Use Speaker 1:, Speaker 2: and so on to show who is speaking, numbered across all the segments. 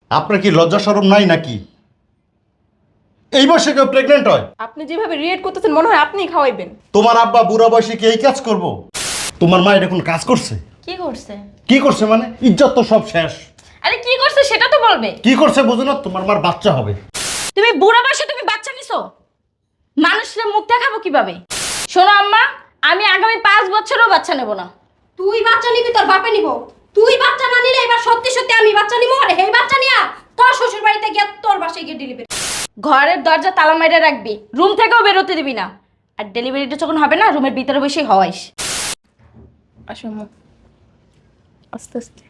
Speaker 1: আপনার কি লজ্জা শরম নাই নাকি? এই বয়সে কেউ প্রেগনেন্ট হয়?
Speaker 2: আপনি যেভাবে রিয়েক্ট করতেছেন মনে হয় আপনিই খাওয়াইবেন।
Speaker 1: তোমার আব্বা বুড়া বয়সে কি এই কাজ করব? তোমার মা এটা কোন কাজ করছে?
Speaker 3: কি করছে?
Speaker 1: কি করছে মানে? ইজ্জত তো সব শেষ।
Speaker 3: আরে কি করছে সেটা তো বলবে।
Speaker 1: কি করছে বুঝো না? তোমার মার বাচ্চা হবে।
Speaker 3: তুমি বুড়া বয়সে তুমি বাচ্চা নিছো, মানুষের মুখ দেখাবো কিভাবে? শোনো আম্মা, আমি আগামী 5 বছরও বাচ্চা নেব না।
Speaker 4: তুই বাচ্চা নিবি, তোর বাপে নিব। তুই বাচ্চা না নিলে এবার সত্যি সত্যি আমি বাচ্চা নিব, আর এই বাচ্চা নিয়া তোর শ্বশুর বাড়িতে গিয়ে তোর বাসায় গিয়ে ডেলিভারি।
Speaker 3: ঘরের দরজা তালা মাইরে রাখবি, রুম থেকেও বেরোতে দিবি না। আর ডেলিভারিটা যখন হবে না, রুমের ভিতরে বসেই হওয়াইস।
Speaker 2: আসো আম্মু, আস্তে আস্তে।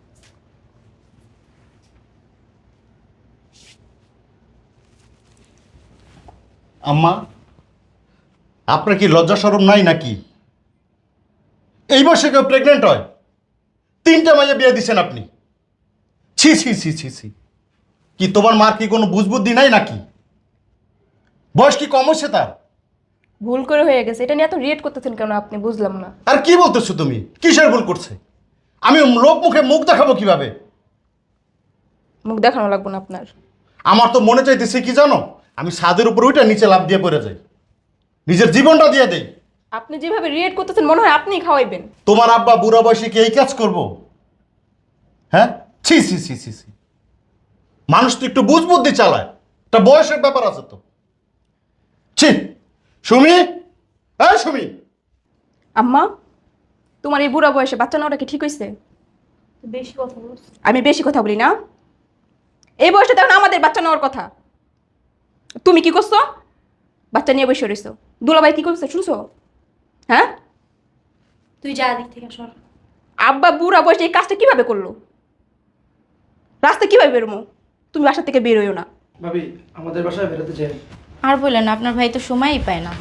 Speaker 1: আম্মা, আপনার কি লজ্জা শরম নাই নাকি? এই বয়সে কেউ প্রেগনেন্ট হয়? 3টা মাইয়া বিয়ে দিচ্ছেন আপনি। ছি ছি ছি ছি ছি। কি তোমার মার কি কোনো বুঝবুদ্ধি নাই নাকি? বয়স কি কম হচ্ছে তার?
Speaker 2: ভুল করে হয়ে গেছে, এটা নিয়ে এত রিয়েক্ট করতেছেন কেন আপনি? বুঝলাম না।
Speaker 1: আর কি বলতেছো তুমি? কিসের ভুল করছে? আমি লোক মুখে মুখ দেখাবো কিভাবে?
Speaker 2: মুখ দেখানো লাগবে না আপনার।
Speaker 1: আমার তো মনে চাইতেছে কি জানো, আমি ছাদের উপর ওইটা নিচে লাফ দিয়ে পড়ে যাই, নিজের জীবনটা দিয়ে দেই।
Speaker 2: আপনি যেভাবে রিয়েক্ট করতেছেন মনে হয় আপনিই খাওয়াইবেন।
Speaker 1: তোমার আব্বা বুড়া বয়সে কি এই কাজ করবো? হ্যাঁ, ছি ছি ছি ছি ছি। মানুষ তো একটু বুঝবুদ্ধি চালায়, একটা বয়সের ব্যাপার আছে তো। ছি। সুমি, হ্যাঁ সুমি।
Speaker 2: আম্মা, তোমার এই বুড়া বয়সে বাচ্চা নেওয়াটা কি ঠিক হয়েছে?
Speaker 4: বেশি কথা বলছ।
Speaker 2: আমি বেশি কথা বলি না? এই বয়সে তখন আমাদের বাচ্চা নেওয়ার কথা। তুমি কি করছো? বাচ্চা নিয়ে বসে রয়েছো। দুলাভাই কি করছে শুনছো? হ্যাঁ,
Speaker 4: তুই যা দিক থেকে সর।
Speaker 2: আব্বা বুড়া বয়সে এই কাজটা কিভাবে করলো? রাস্তা কিভাবে বেরোমো? তুমি বাসা থেকে বেরোয়ও না।
Speaker 5: ভাবি, আমাদের বাসায় বেরোতে চাই।
Speaker 3: আর বললেন না, আপনার ভাই তো সময়ই পায় না।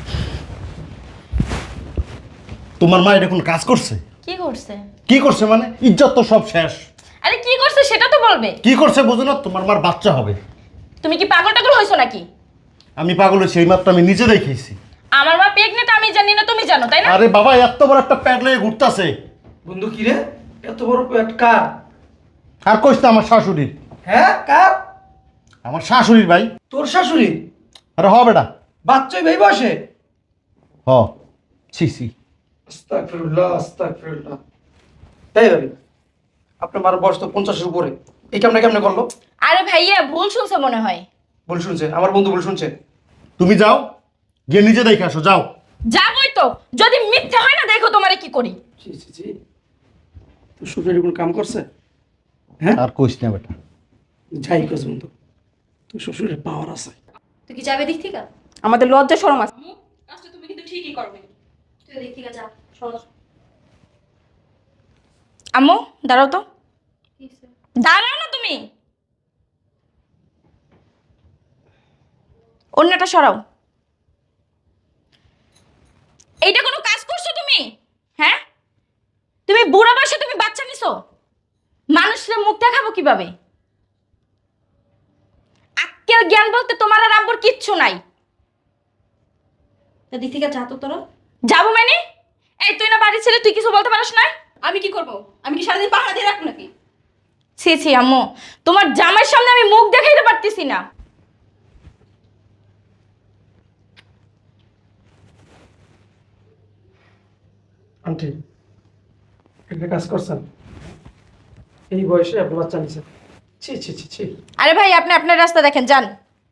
Speaker 1: তোমার মা এটা কোন কাজ করছে?
Speaker 3: কি করছে?
Speaker 1: কি করছে মানে? ইজ্জত তো সব শেষ।
Speaker 3: আরে কি করছে সেটা তো বলবে।
Speaker 1: কি করছে বুঝো না? তোমার মার বাচ্চা হবে।
Speaker 3: তুমি কি পাগল টাগল হয়েছো নাকি?
Speaker 1: আমি পাগল হয়েছি, এই মাত্র আমি নিজে দেখেছি।
Speaker 3: আমার মা প্রেগনেন্ট আমি জানি না, তুমি জানো তাই না?
Speaker 1: আরে বাবা, এত বড় একটা প্যাড লেগে ঘুরতেছে।
Speaker 5: বন্ধু কি রে, এত বড় পেট কার?
Speaker 1: আর কইস না আমার শাশুড়ির।
Speaker 5: হ্যাঁ, কার?
Speaker 1: আমার শাশুড়ির ভাই।
Speaker 5: তোর শাশুড়ি?
Speaker 1: আরে হ বেটা।
Speaker 5: বাচ্চাই ভাই বসে?
Speaker 1: হ। ছি ছি।
Speaker 5: আস্তাগফিরুল্লাহ, আস্তাগফিরুল্লাহ। এই ভাবি, আপনার মার বয়স তো 50-এর উপরে, এই কেমনে কেমনে করলো?
Speaker 3: আরে ভাইয়া ভুল শুনছে মনে হয়।
Speaker 5: ভুল শুনছে, আমার বন্ধু ভুল শুনছে।
Speaker 1: তুমি যাও, গিয়ে নিজে দেখে আসো, যাও।
Speaker 3: যাবই তো, যদি মিথ্যা হয় না দেখো তোমারে কি করি।
Speaker 5: জি জি জি। তোর শ্বশুরের কোনো কাম করছে? হ্যাঁ,
Speaker 1: আর কইস না বেটা।
Speaker 5: যাই কাজ বন্ধু, তোর শ্বশুরের পাওয়ার আছে।
Speaker 4: তুই কি যাবে দিক থেকে?
Speaker 2: আমাদের লজ্জা শরম আছে।
Speaker 4: কাজটা তুমি কিন্তু ঠিকই করবে। তুই দিক থেকে যা, সর।
Speaker 3: আম্মু দাঁড়াও তো,
Speaker 4: কি হইছে?
Speaker 3: দাঁড়াও না তুমি। অন্যটা সরাও। এইটা কোনো কাজ করছো তুমি? হ্যাঁ, তুমি বুড়া বয়সে তুমি বাচ্চা নিছো, মানুষের মুখ দেখাবো কিভাবে? আক্কেল জ্ঞান বলতে তোমার আর আব্বুর কিচ্ছু নাই।
Speaker 4: তা দিক থেকে যা তো তোরা।
Speaker 3: যাবো মানে? এই তুই না বাড়ির ছেলে, তুই কিছু বলতে পারিস না?
Speaker 4: আমি কি করব? আমি কি সারাদিন পাহারা দিয়ে রাখবো নাকি?
Speaker 3: ছি ছি আম্মু, তোমার জামাইয়ের সামনে আমি মুখ দেখাইতে পারতেছি না।
Speaker 5: আন্টি, একটা কাজ করছেন? এই বয়সে আপনি বাচ্চা নিছেন? ছি ছি ছি ছি।
Speaker 3: আরে ভাই আপনি আপনার রাস্তা দেখেন, যান।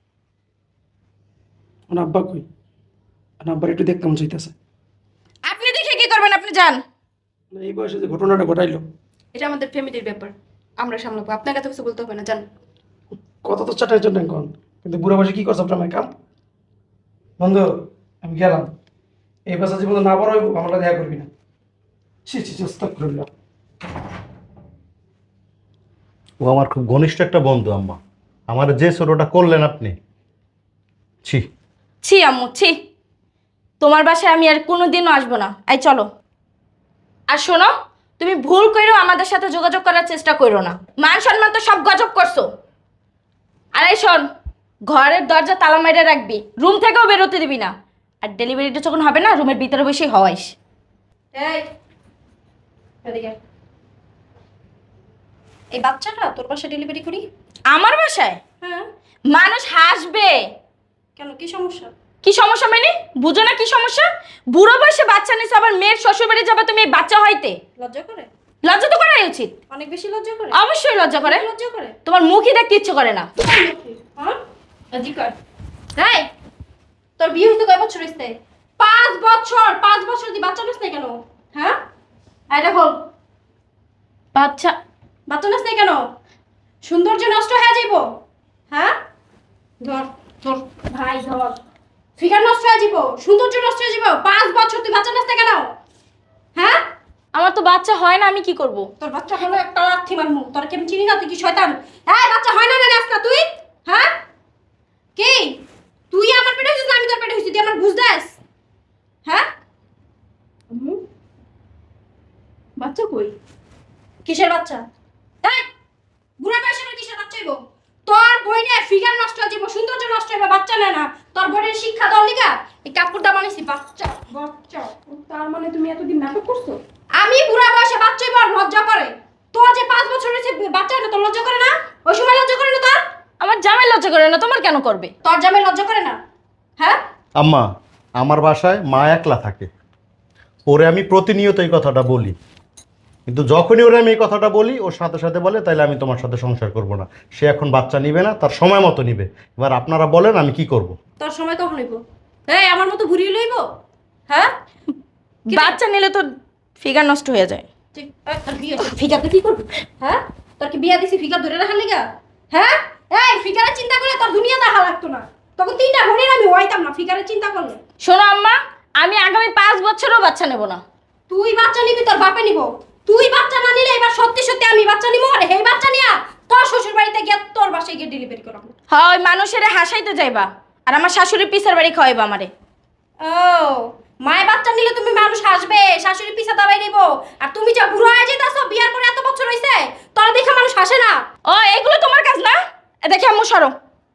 Speaker 5: আমার আব্বা কই? আমার আব্বার একটু দেখতে মন চাইতেছে।
Speaker 3: আপনি দেখে কি করবেন, আপনি যান।
Speaker 5: এই বয়সে যে ঘটনাটা ঘটাইলো,
Speaker 2: এটা আমাদের ফ্যামিলির ব্যাপার, আমরা সামলাবো। আপনাকে এত কিছু বলতে হবে না, জান।
Speaker 5: কত তো চাটাই জন্য এখন, কিন্তু বুড়ো বয়সে কি করছে আপনার মায়ের কাম? বন্ধু, আমি গেলাম। এই বাসা জীবনে না বড় হইব, আমরা দেখা করবি না। ছি ছি ছি, আস্তাগফিরুল্লাহ।
Speaker 1: ও আমার খুব ঘনিষ্ঠ একটা বন্ধু আম্মা। আমার যে ছোটটা করলেন আপনি, ছি।
Speaker 3: ছি আম্মু ছি, তোমার বাসায় আমি আর কোনোদিনও আসবো না। এই চলো। আর শোনো, তুমি ভুল কইরো আমাদের সাথে যোগাযোগ করার চেষ্টা করো না। মান সম্মান তো সব গজব করছো। আর এই শোন, ঘরের দরজা তালা মাইরে রাখবি, রুম থেকেও বেরোতে দিবি না। আর ডেলিভারিটা যখন হবে না, রুমের ভিতরে বসেই হওয়াইস।
Speaker 4: এই, এদিকে আয়। এই বাচ্চাটা তোর বাসায় ডেলিভারি করি?
Speaker 3: আমার বাসায়
Speaker 4: হ্যাঁ
Speaker 3: মানুষ হাসবে।
Speaker 4: কেন কি সমস্যা?
Speaker 3: কি সমস্যা মানে? বুঝো না কি সমস্যা? বুড়ো বয়সে বাচ্চা নিছো, আবার মেয়ের শ্বশুর বাড়ি যাবে তুমি এই বাচ্চা হইতে।
Speaker 4: লজ্জা করে?
Speaker 3: লজ্জা তো করাই উচিত।
Speaker 4: অনেক বেশি লজ্জা করে?
Speaker 3: অবশ্যই লজ্জা করে।
Speaker 4: লজ্জা করে?
Speaker 3: তোমার মুখই দেখতে ইচ্ছে করে না।
Speaker 4: হ্যাঁ লজ্জা কর। এই তোর বিয়ে হইতে কয় বছর হইছে? 5 বছর। 5 বছর দি বাচ্চা নিস না কেন? হ্যাঁ এটা বল,
Speaker 3: বাচ্চা
Speaker 4: বাচ্চা নিস না কেন? সৌন্দর্য নষ্ট হয়ে যাইব। হ্যাঁ ধর ধর ভাই ধর, ফিগার নষ্ট হয়ে যাইব, সৌন্দর্য নষ্ট হয়ে যাইব। 5 বছর তুই বাচ্চা নিস না কেন? হ্যাঁ
Speaker 3: আমার তো বাচ্চা হয় না, আমি কি করব?
Speaker 4: তোর বাচ্চা হলো একটা লাথি মারমু। তোর কি আমি চিনি না? তুই কি শয়তান? এই বাচ্চা হয় না নাস না তুই? হ্যাঁ কি তুই আমার পেটে হইছিস না আমি তোর পেটে হইছি? তুই আমার বুঝ দাস? হ্যাঁ
Speaker 2: বাচ্চা কই?
Speaker 4: কিসের বাচ্চা? এই বুড়া বয়সে কিসের বাচ্চা হইব? তোর বইনে ফিগার নষ্ট হয়ে যাইব, সৌন্দর্য নষ্ট হইব, বাচ্চা নেয় না। তোর বইনের শিক্ষা দল লিগা এই কাপড়টা বানাইছি। বাচ্চা বাচ্চা
Speaker 2: তার মানে তুমি এতদিন নাটক করছো?
Speaker 4: আমি বুড়া বয়সে বাচ্চা হইব আর লজ্জা করে? তোর যে 5 বছর হয়েছে বাচ্চা না, তোর লজ্জা করে না? ওই সময় লজ্জা করে না তোর?
Speaker 3: আমার জামাই লজ্জা করে না, তোমার কেন করবে?
Speaker 4: তোর জামাই লজ্জা করে না? হ্যাঁ
Speaker 1: আম্মা, আমার বাসায় মা একলা থাকে, ওরে আমি প্রতিনিয়ত এই কথাটা বলি, কিন্তু যখনই ওরে আমি এই কথাটা বলি ওর সাথে সাথে বলে তাইলে আমি তোমার সাথে সংসার করব না। সে এখন বাচ্চা নিবে না, তার সময় মতো নিবে। এবার আপনারা বলেন আমি কি করব?
Speaker 4: তোর সময় কখন হইব? এই আমার মতো ঘুরিয়ে লইব? হ্যাঁ কি রে?
Speaker 3: বাচ্চা নিলে তো ফিগার নষ্ট হয়ে যায়।
Speaker 4: তুই তোর বিয়ে ফিগারতে কি করবি? হ্যাঁ তোর কি বিয়া দিছি ফিগার ধরে রাখার লিগা? হ্যাঁ এই ফিগারের চিন্তা করলে তোর দুনিয়া দেখা লাগতো না। তখন 3টা ঘড়ির আমি হইতাম না ফিগারের চিন্তা করলে।
Speaker 3: শোনো আম্মা, আমি আগামী 5 বছরও বাচ্চা নেব না।
Speaker 4: তুই বাচ্চা নিবি, তোর বাপে নিব। তুই বাচ্চা না নিলে এবার সত্যি সত্যি আমি বাচ্চা নিব। আর এই বাচ্চা নিয়া তোর শ্বশুর বাড়িতে গিয়ে তোর বাসায় গিয়ে ডেলিভারি করাবো।
Speaker 3: হয় মানুষের হাসাইতে যাইবা আর আমার শাশুড়ি পিসার বাড়ি খাওয়াইবা আমারে।
Speaker 4: ও মায়ের বাচ্চা নিলে তুমি মানুষ হাসবে, শাশুড়ি পিছা দাবাই নিব। আর তুমি যা বুড়ো হয়ে যেতেছো, বিয়ার পরে এত বছর হইছে, তোর দেখে মানুষ হাসে না।
Speaker 3: ও এগুলো তোমার কাজ না? এ দেখে আম্মু সরো,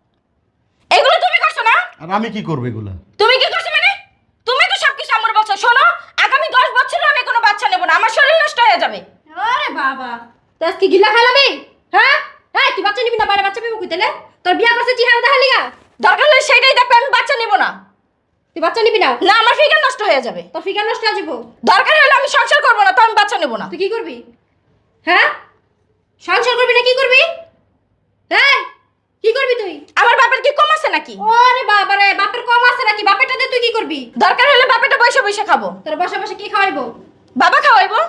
Speaker 3: এগুলো তুমি করছো না?
Speaker 1: আর আমি কি করবো এগুলা?
Speaker 3: তুমি কি করছো মানে? তুমি তো সবকিছু আমার বলছো। শোনো, আগামী 10 বছরও আমি কোনো বাচ্চা নেব না, আমার শরীর নষ্ট হয়ে যাবে।
Speaker 4: আরে বাবা তুই আজকে গিলা খাইলামি? হ্যাঁ এই তুই বাচ্চা নিবি না? বাইরে বাচ্চা পেবো কই তাহলে? তোর বিয়া করছে চেহারা দেখা লিগা?
Speaker 3: দরকার হলে সেটাই দেখবে, আমি বাচ্চা নেব না।
Speaker 4: তুই বাচ্চা নিবি না?
Speaker 3: না, আমার ফিগার নষ্ট হয়ে যাবে।
Speaker 4: তোর ফিগার নষ্ট হয়ে যাবো।
Speaker 3: দরকার হলে আমি সংসার করবো না, তো আমি বাচ্চা নেব না।
Speaker 4: তুই কি করবি? হ্যাঁ সংসার করবি না কি করবি? হ্যাঁ কি করবি তুই?
Speaker 3: আমার বাপের কি কম আছে নাকি?
Speaker 4: ওরে বাবা রে, বাপের কম আছে নাকি? বাপেরটা দিয়ে তুই কি করবি?
Speaker 3: দরকার হলে বাপেরটা বসে বসে খাবো।
Speaker 4: তোর বসে বসে কি খাওয়াইবো?
Speaker 3: বাবা খাওয়াইবো।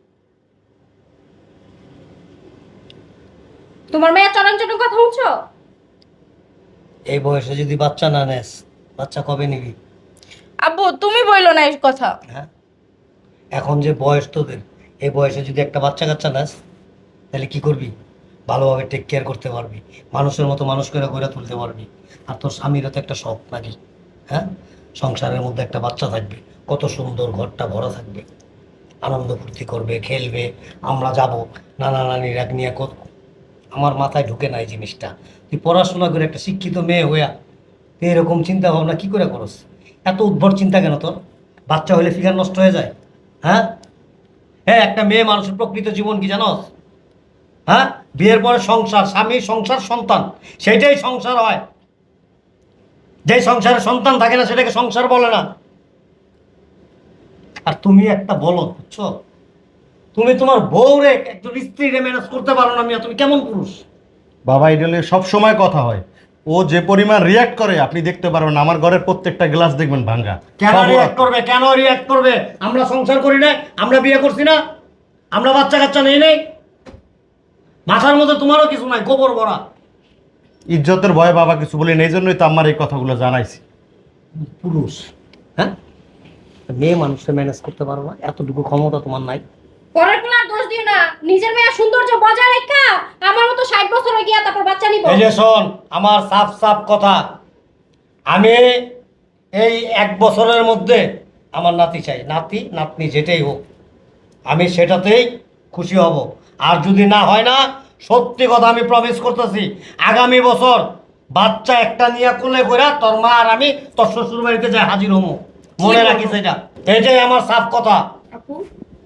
Speaker 4: তোমার মেয়ে চরণ চরণ কথা শুনছো?
Speaker 6: এই বয়সে যদি বাচ্চা না নেস, বাচ্চা কবে নিবি?
Speaker 3: আব্বু তুমি বইলো না এই কথা।
Speaker 6: হ্যাঁ, এখন যে বয়স তোদের, এই বয়সে যদি একটা বাচ্চা কাচ্চা নেস, তাহলে কি করবি? ভালোভাবে টেক কেয়ার করতে পারবি, মানুষের মতো মানুষ করে গড়ে তুলতে পারবি। আর তোর স্বামীরও তো একটা শখ নাকি? হ্যাঁ, সংসারের মধ্যে একটা বাচ্চা থাকবে, কত সুন্দর, ঘরটা ভরা থাকবে, আনন্দ ফুর্তি করবে, খেলবে, আমরা যাব নানা নানির এক নিয়ে কত। আমার মাথায় ঢুকে না এই জিনিসটা। তুই পড়াশোনা করে একটা শিক্ষিত মেয়ে হইয়া তুই এরকম চিন্তা ভাবনা কি করে করস? এত উদ্ভট চিন্তা কেন তোর? বাচ্চা হলে ফিগার নষ্ট হয়ে যায়? হ্যাঁ হ্যাঁ, একটা মেয়ে মানুষের প্রকৃত জীবন কি জানোস? হ্যাঁ, বিয়ের পরে সংসার, স্বামী, সংসার, সন্তান, সেটাই সংসার হয়। যেই সংসারে সন্তান থাকে না সেটাকে সংসার বলে না। আর তুমি একটা বলো, বুঝছো? তুমি তোমার বউরে, একজন স্ত্রীরে ম্যানেজ করতে পারো না মিয়া, তুমি কেমন পুরুষ?
Speaker 1: বাবা, এটা নিয়ে সব সময় কথা হয়। ও যে পরিমাণ রিয়াক্ট করে আপনি দেখতে পারবেন, আমার ঘরের প্রত্যেকটা গ্লাস দেখবেন ভাঙা।
Speaker 6: কেন
Speaker 1: সব ওর
Speaker 6: রিয়াক্ট করবে? কেন রিয়াক্ট করবে? আমরা সংসার করি না? আমরা বিয়ে করছি না? আমরা বাচ্চা কাচ্চা নেই নেই? মাথার মধ্যে তোমারও কিছু নাই, গোবর ভরা।
Speaker 1: ইজ্জতের ভয়ে বাবা কিছু বলি না, এই জন্যই তো আমার এই কথাগুলো জানাইছি।
Speaker 6: পুরুষ, হ্যাঁ, মেয়ে মানুষকে ম্যানেজ করতে পারো না? এতটুকু ক্ষমতা তোমার নাই?
Speaker 4: পরের পোলার দোষ দিও না, নিজের মেয়ের সৌন্দর্য বজায় রেখা আমার মতো 60 বছর হয়ে গিয়া তারপর বাচ্চা নিব।
Speaker 6: এই যে শোন, আমার সাফ সাফ কথা, আমি এই 1 বছরের মধ্যে আমার নাতি চাই, নাতি নাতনি যেটাই হোক, আমি সেটাতেই খুশি হব। আর যদি না হয় না, সত্যি কথা আমি প্রমিস করতেছি, আগামী বছর বাচ্চা একটা নিয়ে কোলে কইরা তোর মা আর আমি তোর শ্বশুর বাড়িতে যাই হাজির হবো। মনে রাখিস এটা, এটাই আমার সাফ কথা।
Speaker 2: আপু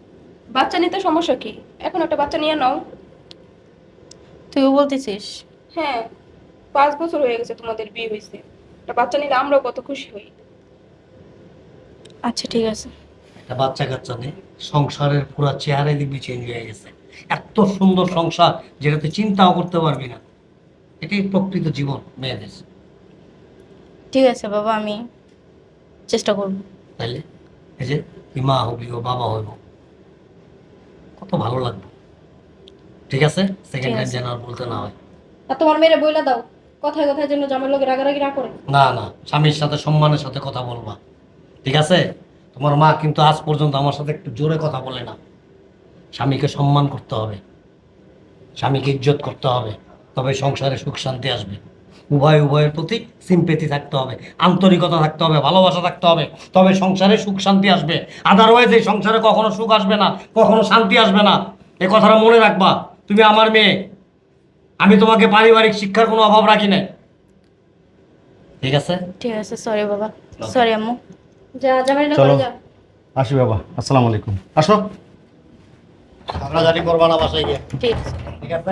Speaker 2: বাচ্চা নিতে সমস্যা কি? এখন একটা বাচ্চা নিয়ে নাও।
Speaker 3: তুইও বলতেছিস?
Speaker 2: হ্যাঁ 5 বছর হয়ে গেছে তোমাদের বিয়ে হয়েছে, একটা বাচ্চা নিলে আমরাও কত খুশি হই।
Speaker 3: আচ্ছা ঠিক আছে।
Speaker 6: একটা বাচ্চা কাচ্চা নেই, সংসারের পুরো চেহারাই দেখবি চেঞ্জ হয়ে গেছে। এত সুন্দর সংসার যেটা তুই চিন্তাও করতে পারবি না। এটাই প্রকৃত জীবন মেয়েদের।
Speaker 3: ঠিক আছে বাবা, আমি চেষ্টা করব।
Speaker 6: তাইলে এই যে তুই মা হবি ও বাবা হইব, কত ভালো লাগবে। ঠিক আছে, সেকেন্ড টাইম
Speaker 3: আছে।
Speaker 6: যেন আর বলতে না হয়।
Speaker 4: আর তোমার মেয়েরে বইলা দাও, কথায় কথায় যেন জামাই লোকের রাগারাগি না করে।
Speaker 6: না না, স্বামীর সাথে সম্মানের সাথে কথা বলবা। ঠিক আছে, তোমার মা কিন্তু আজ পর্যন্ত আমার সাথে একটু জোরে কথা বলে না। স্বামীকে সম্মান করতে হবে, স্বামীকে ইজ্জত করতে হবে, তবে সংসারে সুখ শান্তি আসবে। উভয়ের প্রতি সিম্পেথি থাকতে হবে, আন্তরিকতা থাকতে হবে, ভালোবাসা থাকতে হবে, তবে সংসারে সুখ শান্তি আসবে। আদারওয়াইজ এই সংসারে কখনো সুখ আসবে না, কখনো শান্তি আসবে না। এই কথাটা মনে রাখবা। তুমি আমার মেয়ে, আমি তোমাকে পারিবারিক শিক্ষার কোনো অভাব রাখি নাই। ঠিক আছে?
Speaker 3: ঠিক আছে, সরি বাবা, সরি আম্মু।
Speaker 4: যা জামাই না
Speaker 1: চলো
Speaker 4: করে যা।
Speaker 1: আসি বাবা, আসসালামু আলাইকুম। আসো।
Speaker 6: ঝগড়াঝাটি করবা না বাসায় গিয়ে।
Speaker 3: ঠিক আছে।
Speaker 6: ঠিক আছে?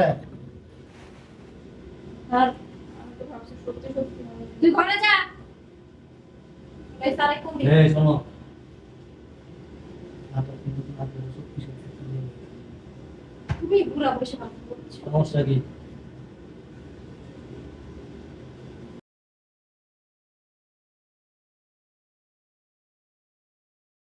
Speaker 4: আর তুই ঘরে যা। এই সারে কোন দিকে?
Speaker 6: এই শোনো,
Speaker 4: তুমি বুড়া বসে কথা বলছো।
Speaker 6: সমস্যা কি?